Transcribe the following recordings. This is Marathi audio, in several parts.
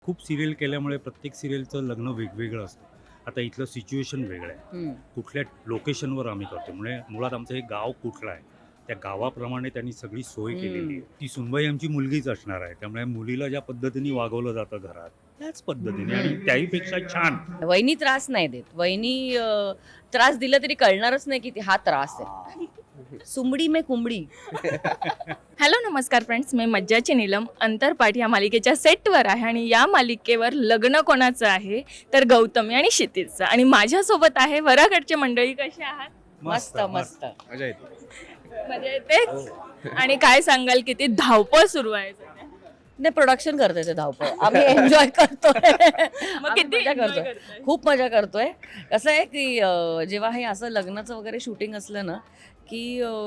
खूप सिरियल केल्यामुळे प्रत्येक सिरियलचं लग्न वेगवेगळं असतं. आता इथलं सिच्युएशन वेगळं आहे. हं. कुठल्या लोकेशनवर आम्ही करतो. म्हणजे मुळात आमचं हे गाव कुठलं आहे, त्या गावाप्रमाणे त्यांनी सगळी सोय केलेली आहे. ती सुनबाई आमची मुलगीच असणार आहे. त्यामुळे मुलीला ज्या पद्धतीने वागवलं जातं घरात, त्याच पद्धतीने आणि त्याहीपेक्षा छान. वहिनी त्रास नाही देत. वहिनी त्रास दिला तरी कळणारच नाही की हा त्रास आहे. सुमडी में कुंबडी. हॅलो नमस्कार फ्रेंड्स, मी मज्जाची नीलम अंतरपाठ या मालिकेच्या सेटवर आहे आणि या मालिकेवर लग्न कोणाचं आहे तर गौतमी आणि क्षितिजचं. आणि माझ्यासोबत आहे वराकडचे मंडळी. कसे आहात? मस्त मस्त. मजा येते. मजा येते. आणि काय सांगाल, किती धावपळ सुरू आहे सध्या? नाही, प्रोडक्शन करतोय ते धावपळ. आम्ही एन्जॉय करतोय. मग आम्ही किती मजा enjoy करतोय. करताय? खूप मजा करतोय. कसं आहे की जेव्हा हे असं लग्नाचं वगैरे शूटिंग असलं ना की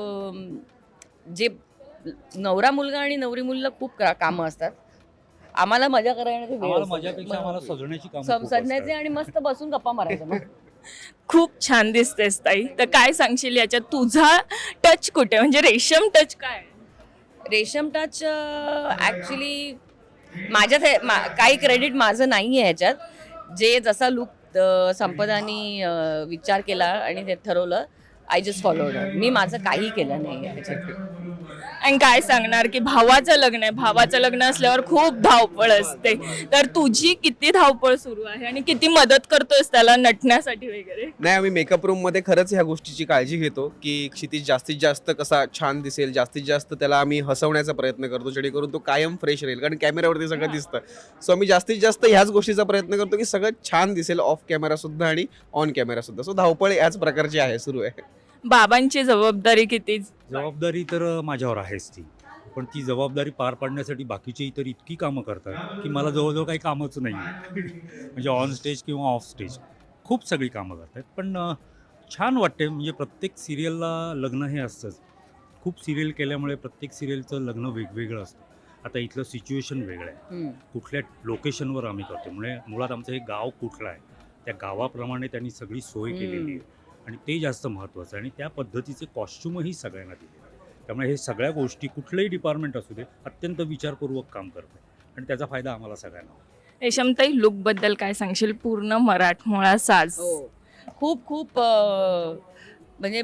जे नवरा मुलगा आणि नवरी मुलीला खूप कामं असतात. आम्हाला मजा करण्याची वेळ आम्हाला असते. मजापेक्षा आम्हाला सजण्याची कामं सजण्याचे आणि मस्त बसून गप्पा मारायचं मग. खूप छान दिसतेस ताई. तर काय सांगशील याच्यात तुझा टच कुठे, म्हणजे रेशम टच काय आहे? रेशम टच ॲक्च्युली माझ्यात काही क्रेडिट माझं नाही आहे ह्याच्यात. जे जसा लुक संपदानी विचार केला आणि ते ठरवलं, आय जस्ट फॉलोड. मी माझं काही केलं नाही ह्याच्यात. आणि काय सांगणार की भावाचं लग्न आहे, भावाचं लग्न असल्यावर खूप धावपळ असते. तर तुझी किती धावपळ सुरू आहे आणि किती मदत करतोयस त्याला नटण्यासाठी वगैरे? नाही, आम्ही मेकअप रूम मध्ये खरंच ह्या गोष्टीची काळजी घेतो की क्षितिज जास्तीत जास्त कसा छान दिसेल, जास्तीत जास्त त्याला आम्ही हसवण्याचा प्रयत्न करतो जेणेकरून तो कायम फ्रेश राहील, कारण कॅमेऱ्यावरती सगळं दिसतं. सो आम्ही जास्तीत जास्त ह्याच गोष्टीचा प्रयत्न करतो की सगळं छान दिसेल, ऑफ कॅमेरा सुद्धा आणि ऑन कॅमेरा सुद्धा. सो धावपळ याच प्रकारची आहे, सुरू आहे. बाबांची जबाबदारी किती? जबाबदारी तर माझ्यावर आहेच ती. पण ती जबाबदारी पार पाडण्यासाठी बाकीचे इतर इतकी कामं करतात की मला जवळजवळ काही कामच नाही आहे. म्हणजे ऑन स्टेज किंवा ऑफ स्टेज खूप सगळी कामं करतात. पण छान वाटते. म्हणजे प्रत्येक सिरियलला लग्न हे असतंच. खूप सिरियल केल्यामुळे प्रत्येक सिरियलचं लग्न वेगवेगळं असतं. आता इथलं सिच्युएशन वेगळं आहे. कुठल्या लोकेशनवर आम्ही करतो. म्हणजे मुळात आमचं हे गाव कुठलं आहे, त्या गावाप्रमाणे त्यांनी सगळी सोय केलेली आहे आणि ते जास्त महत्त्वाचं आहे. आणि त्या पद्धतीचे कॉस्ट्युमही सगळ्यांना दिले. त्यामुळे हे सगळ्या गोष्टी कुठलंही डिपार्टमेंट असू दे अत्यंत विचारपूर्वक काम करतं आणि त्याचा फायदा आम्हाला सगळ्यांना होतो. रेशमताई, लुक बद्दल काय सांगशील? पूर्ण मराठमोळा साज. हो, खूप खूप म्हणजे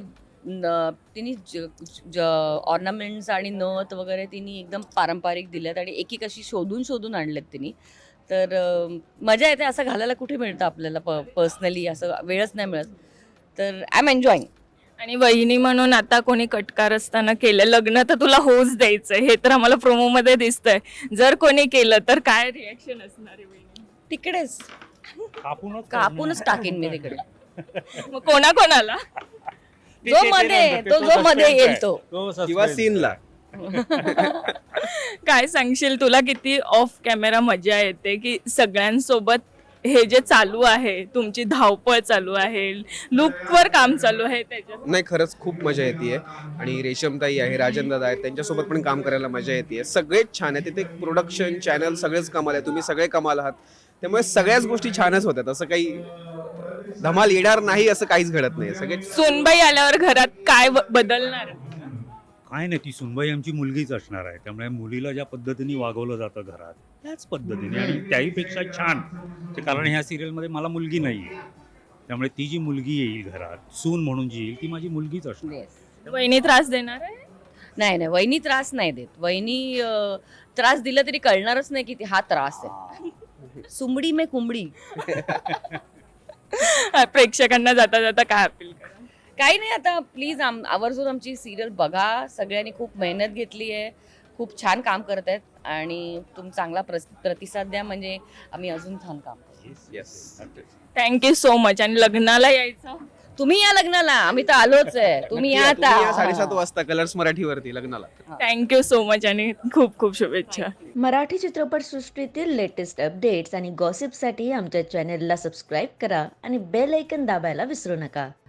तिने ऑर्नामेंट्स आणि नथ वगैरे तिने एकदम पारंपरिक दिल्यात आणि एक अशी शोधून शोधून आणल्यात तिने. तर मजा येते. असं घालायला कुठे मिळतं आपल्याला पर्सनली, असं वेळच नाही मिळत. तर आय एम एन्जॉईंग. आणि वहिनी म्हणून आता कोणी कटकार असताना केलं लग्न तर तुला होच द्यायचंय, हे तर आम्हाला प्रोमो मध्ये दिसतंय. जर कोणी केलं तर काय रिॲक्शन असणार आहे वहिनी? तिकडेच कापूनच कापूनच टाकीन मी तिकडे. मग कोणाकोणाला? जो मध्ये येईल तो. किंवा सीनला. काय सांगशील, तुला किती ऑफ कॅमेरा मजा येते की सगळ्यांसोबत हे जे चालू आहे, तुमची धावपळ चालू आहे, लुकवर काम चालू आहे त्याच्यात? नाही, खरंच खूप मजा येते. आणि रेशमताई आहे, राजन दादा आहेत, त्यांच्यासोबत पण काम करायला मजा येते. सगळेच छान आहे तिथे. प्रोडक्शन, चॅनल सगळेच कमाल आहे. तुम्ही सगळे कमाल आहात. त्यामुळे सगळ्याच गोष्टी छानच होत्यात. असं काही धमाल येणार नाही असं काहीच घडत नाही. सगळे सोनबाई आल्यावर घरात काय बदलणार? काय नाही, ती सुनबाई आमची मुलगीच असणार आहे. त्यामुळे मुलीला ज्या पद्धतीने वागवलं जातं घरात, त्याच पद्धतीने आणि त्याहीपेक्षा छान. ते कारण ह्या सिरियलमध्ये मला मुलगी नाही आहे. त्यामुळे ती जी मुलगी येईल घरात, सून म्हणून जी येईल, ती माझी मुलगीच असणार. Yes. वहिनी त्रास देणार आहे? नाही नाही, वहिनी त्रास नाही देत. वहिनी त्रास दिला तरी कळणारच नाही की हा त्रास आहे. सुमडी में कुंबडी. प्रेक्षकांना जाता जाता काय अपील करा? काही नाही, आता प्लीज आवर्जून आमची सिरियल बघा. सगळ्यांनी खूप मेहनत घेतली आहे, खूप छान काम करत आहेत आणि चांगला प्रतिसाद द्या, म्हणजे आम्ही अजून छान काम करू. येस. Thank you so much. आणि लग्नाला यायचं? तुम्ही या लग्नाला, आम्ही तर आलोच आहे. तुम्ही या तुम्ही या आता. 7:30 वाजता कलर्स मराठीवरती लग्नाला. थँक्यू सो मच आणि खूप खूप शुभेच्छा. मराठी चित्रपटसृष्टीतील लेटेस्ट अपडेट्स आणि गॉसिपसाठी आमच्या चॅनेलला सबस्क्राईब करा आणि बेल ऐकन दाबायला विसरू नका.